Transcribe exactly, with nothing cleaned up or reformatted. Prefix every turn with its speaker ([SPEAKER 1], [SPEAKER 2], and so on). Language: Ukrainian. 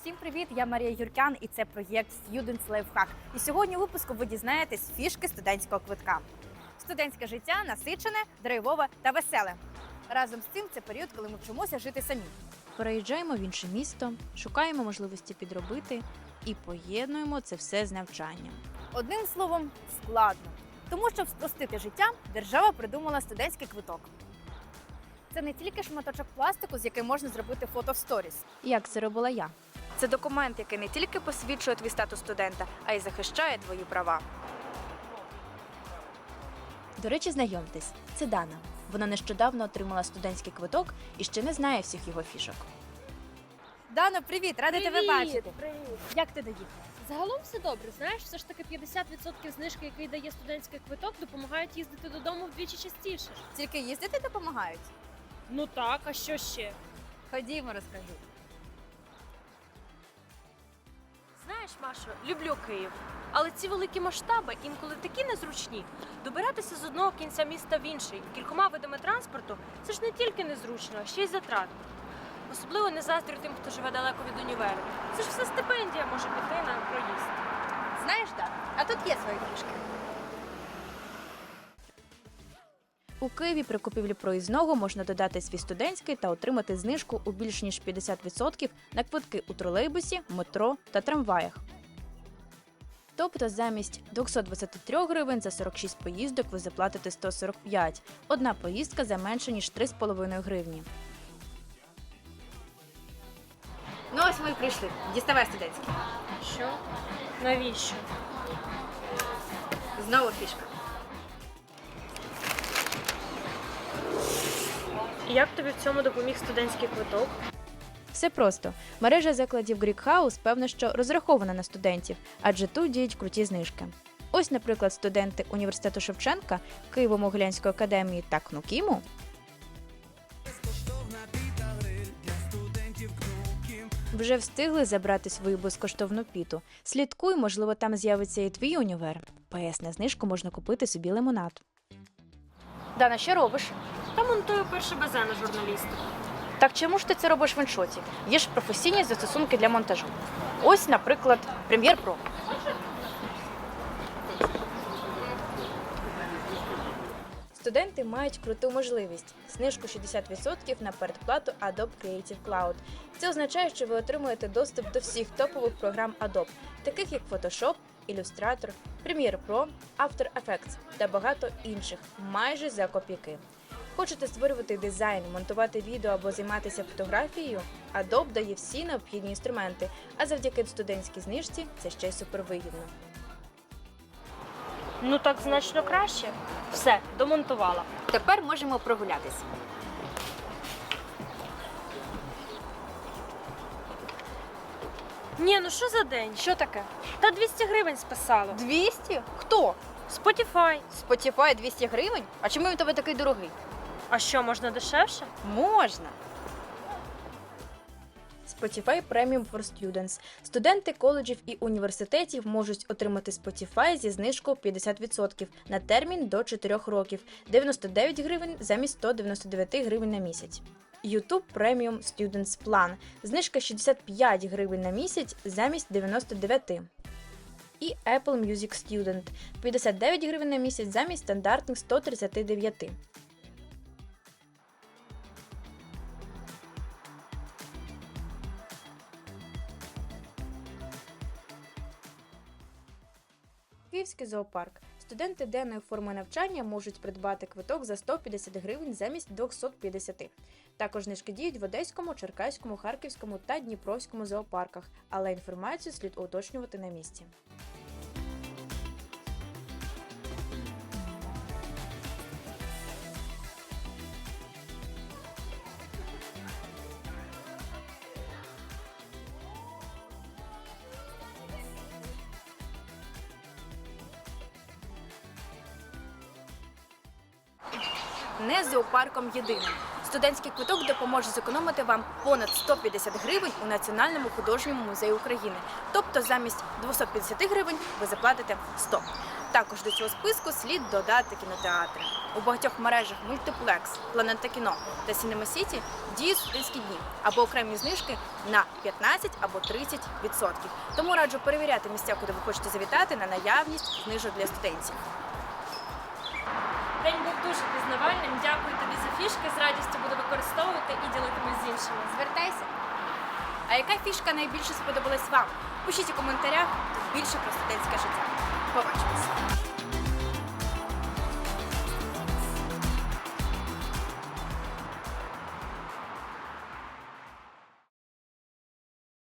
[SPEAKER 1] Всім привіт! Я Марія Юркян і це проєкт Students Lifehack. І сьогодні у випуску ви дізнаєтесь фішки студентського квитка. Студентське життя насичене, драйвове та веселе. Разом з цим це період, коли ми вчимося жити самі.
[SPEAKER 2] Переїжджаємо в інше місто, шукаємо можливості підробити і поєднуємо це все з навчанням.
[SPEAKER 1] Одним словом, складно. Тому, щоб спростити життя, держава придумала студентський квиток. Це не тільки шматочок пластику, з яким можна зробити фото в сторіс.
[SPEAKER 2] Як це робила я?
[SPEAKER 1] Це документ, який не тільки посвідчує твій статус студента, а й захищає твої права.
[SPEAKER 2] До речі, знайомтесь, це Дана. Вона нещодавно отримала студентський квиток і ще не знає всіх його фішок.
[SPEAKER 1] Дано, привіт! Рада тебе бачити.
[SPEAKER 3] Привіт.
[SPEAKER 1] Як ти доїхала?
[SPEAKER 3] Загалом все добре. Знаєш, все ж таки п'ятдесят відсотків знижки, який дає студентський квиток, допомагають їздити додому вдвічі частіше.
[SPEAKER 1] Тільки їздити допомагають?
[SPEAKER 3] Ну так, а що ще?
[SPEAKER 1] Ходімо, розкажу.
[SPEAKER 3] Знаєш, Машо, люблю Київ. Але ці великі масштаби інколи такі незручні. Добиратися з одного кінця міста в інший кількома видами транспорту – це ж не тільки незручно, а ще й затратно. Особливо не заздрю тим, хто живе далеко від універу. Це ж все стипендія може піти на проїзд.
[SPEAKER 1] Знаєш, так, а тут є свої фішки.
[SPEAKER 2] У Києві при купівлі проїзного можна додати свій студентський та отримати знижку у більш ніж п'ятдесят відсотків на квитки у тролейбусі, метро та трамваях. Тобто замість двісті двадцять три гривень за сорок шість поїздок ви заплатите сто сорок п'ять. Одна поїздка за менше ніж три з половиною гривні.
[SPEAKER 1] Ну ось ми і прийшли. Діставай студентський.
[SPEAKER 3] Що? Навіщо?
[SPEAKER 1] Знову фішка.
[SPEAKER 3] І як тобі в цьому допоміг студентський квиток?
[SPEAKER 2] Все просто. Мережа закладів Greek House, певно, що розрахована на студентів, адже тут діють круті знижки. Ось, наприклад, студенти університету Шевченка, Києво-Могилянської академії та КНУКІМу вже встигли забрати свою безкоштовну піту. Слідкуй, можливо, там з'явиться і твій універ. Пе ес на знижку можна купити собі лимонад.
[SPEAKER 1] Дана, що робиш?
[SPEAKER 3] Та монтую перше безе на журналістику.
[SPEAKER 1] Так чому ж ти це робиш в іншоті? Є ж професійні застосунки для монтажу. Ось, наприклад, Premiere Pro.
[SPEAKER 2] Студенти мають круту можливість – знижку шістдесят відсотків на передплату Adobe Creative Cloud. Це означає, що ви отримуєте доступ до всіх топових програм Adobe, таких як Photoshop, Illustrator, Premiere Pro, After Effects та багато інших, майже за копійки. Хочете створювати дизайн, монтувати відео або займатися фотографією? Adobe дає всі необхідні інструменти, а завдяки студентській знижці це ще й супервигідно.
[SPEAKER 3] Ну так значно краще. Все, домонтувала.
[SPEAKER 1] Тепер можемо прогулятись.
[SPEAKER 3] Ні, ну що за день?
[SPEAKER 1] Що таке?
[SPEAKER 3] Та двісті гривень списало.
[SPEAKER 1] двісті? Хто?
[SPEAKER 3] Spotify.
[SPEAKER 1] Spotify двісті гривень? А чому він у тебе такий дорогий?
[SPEAKER 3] А що, можна дешевше?
[SPEAKER 1] Можна.
[SPEAKER 2] Spotify Premium for Students. Студенти коледжів і університетів можуть отримати Spotify зі знижкою п'ятдесят відсотків на термін до чотирьох років, дев'яносто дев'ять гривень замість сто дев'яносто дев'ять гривень на місяць. YouTube Premium Students Plan. Знижка шістдесят п'ять гривень на місяць замість дев'яносто дев'ять. І Apple Music Student. п'ятдесят дев'ять гривень на місяць замість стандартних сто тридцять дев'ять. Київський зоопарк. Студенти денної форми навчання можуть придбати квиток за сто п'ятдесят гривень замість двісті п'ятдесят. Також знижки діють в Одеському, Черкаському, Харківському та Дніпровському зоопарках, але інформацію слід уточнювати на місці.
[SPEAKER 1] Не з зоопарком єдиним. Студентський квиток допоможе зекономити вам понад сто п'ятдесят гривень у Національному художньому музеї України. Тобто замість двісті п'ятдесят гривень ви заплатите сто. Також до цього списку слід додати кінотеатри. У багатьох мережах Мультиплекс, Планета Кіно та Сінема Сіті діють студентські дні або окремі знижки на п'ятнадцять або тридцять відсотків. Тому раджу перевіряти місця, куди ви хочете завітати, на наявність знижок для студентів.
[SPEAKER 3] День був дуже пізнавальним. Дякую тобі за фішки. З радістю буду використовувати і ділитимусь з іншими.
[SPEAKER 1] Звертайся! А яка фішка найбільше сподобалась вам? Пишіть у коментарях, тут більше про студентське життя. Побачимось!